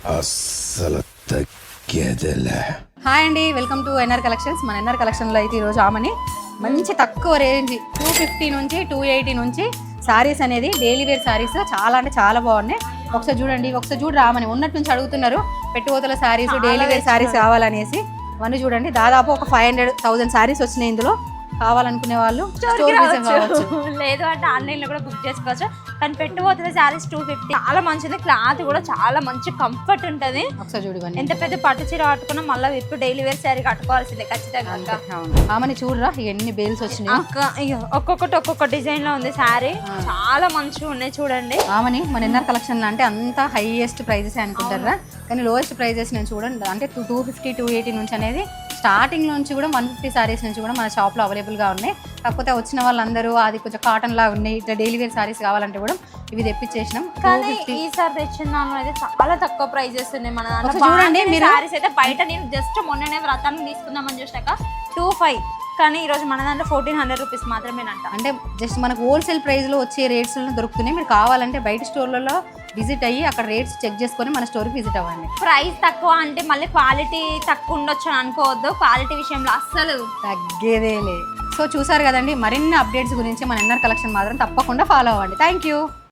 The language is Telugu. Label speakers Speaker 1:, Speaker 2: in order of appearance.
Speaker 1: అస్సలు తగ్గేదేలే.
Speaker 2: హాయ్ అండి, వెల్కమ్ టు ఎన్ఆర్ కలెక్షన్స్. మన ఎన్ఆర్ కలెక్షన్లో అయితే ఈరోజు ఆమెని మంచి తక్కువ రేంజ్ 250 నుంచి 280 నుంచి శారీస్ అనేది డైలీ వేర్ శారీస్ చాలా అంటే చాలా బాగున్నాయి. ఒకసారి చూడండి, ఒకసారి చూడు రామని ఉన్నట్టు నుంచి అడుగుతున్నారు పెట్టుబోతల శారీస్, డైలీ వేర్ శారీస్ కావాలనేసి. అవన్నీ చూడండి, దాదాపు ఒక 500,000 శారీస్ వచ్చినాయి. ఇందులో కావాలనుకునే వాళ్ళు స్టోర్ విజిట్ కావచ్చు,
Speaker 3: లేదు అంటే ఆన్లైన్లో కూడా బుక్ చేసుకోవచ్చు. కానీ పెట్టుబోతున్న శారీస్ 250 చాలా మంచిది. క్లాత్ కూడా చాలా మంచి కంఫర్ట్ ఉంటుంది.
Speaker 2: ఒకసారి చూడండి,
Speaker 3: ఎంత పెద్ద పట్టు చీర కట్టుకున్నా మళ్ళీ విప్పు డైలీ వేర్ శారీ కట్టుకోవాల్సిందే ఖచ్చితంగా.
Speaker 2: ఆమెని చూడరా ఎన్ని బేల్స్ వచ్చినాయి.
Speaker 3: ఒక్కొక్కటి ఒక్కొక్క డిజైన్ లో ఉంది శారీ, చాలా మంచిగా ఉన్నాయి చూడండి.
Speaker 2: ఆమెని మన ఎన్ఆర్ కలెక్షన్ అంటే అంతా హైయెస్ట్ ప్రైజెస్ అనుకుంటారా, కానీ లోయెస్ట్ ప్రైజెస్ నేను చూడండి అంటే 250 280 నుంచి అనేది స్టార్టింగ్ నుంచి కూడా 150 శారీస్ నుంచి కూడా మన షాప్లో అవైలబుల్గా ఉన్నాయి. కాకపోతే వచ్చిన వాళ్ళందరూ అది కొంచెం కాటన్ లాగా ఉన్నాయి, ఇట్లా డైలీ వేర్ శారీస్ కావాలంటే కూడా ఇవి తెప్పించేసినాం.
Speaker 3: కానీ ఈసారి తెచ్చిన దానిలో అయితే చాలా తక్కువ ప్రైజెస్ ఉన్నాయి. మన
Speaker 2: చూడండి మీరు
Speaker 3: శారీస్ అయితే బయట నేను జస్ట్ మొన్ననే వ్రతాన్ని తీసుకుందామని చూసాక 2500, కానీ ఈరోజు మన దాంట్లో 1400 రూపీస్ మాత్రమేనంట.
Speaker 2: అంటే జస్ట్ మనకు హోల్సేల్ ప్రైస్లో వచ్చే రేట్స్లో దొరుకుతున్నాయి. మీరు కావాలంటే బయట స్టోర్లలో విజిట్ అయ్యి అక్కడ రేట్స్ చెక్ చేసుకొని మన స్టోర్కి విజిట్ అవ్వండి.
Speaker 3: ప్రైస్ తక్కువ అంటే మళ్ళీ క్వాలిటీ తక్కువ ఉండొచ్చు అని అనుకోవద్దు. క్వాలిటీ విషయంలో అస్సలు
Speaker 2: తగ్గేదేలే. సో చూసారు కదండి, మరిన్ని అప్డేట్స్ గురించి మన ఎన్ఆర్ కలెక్షన్ మాత్రం తప్పకుండా ఫాలో అవ్వండి. Thank you.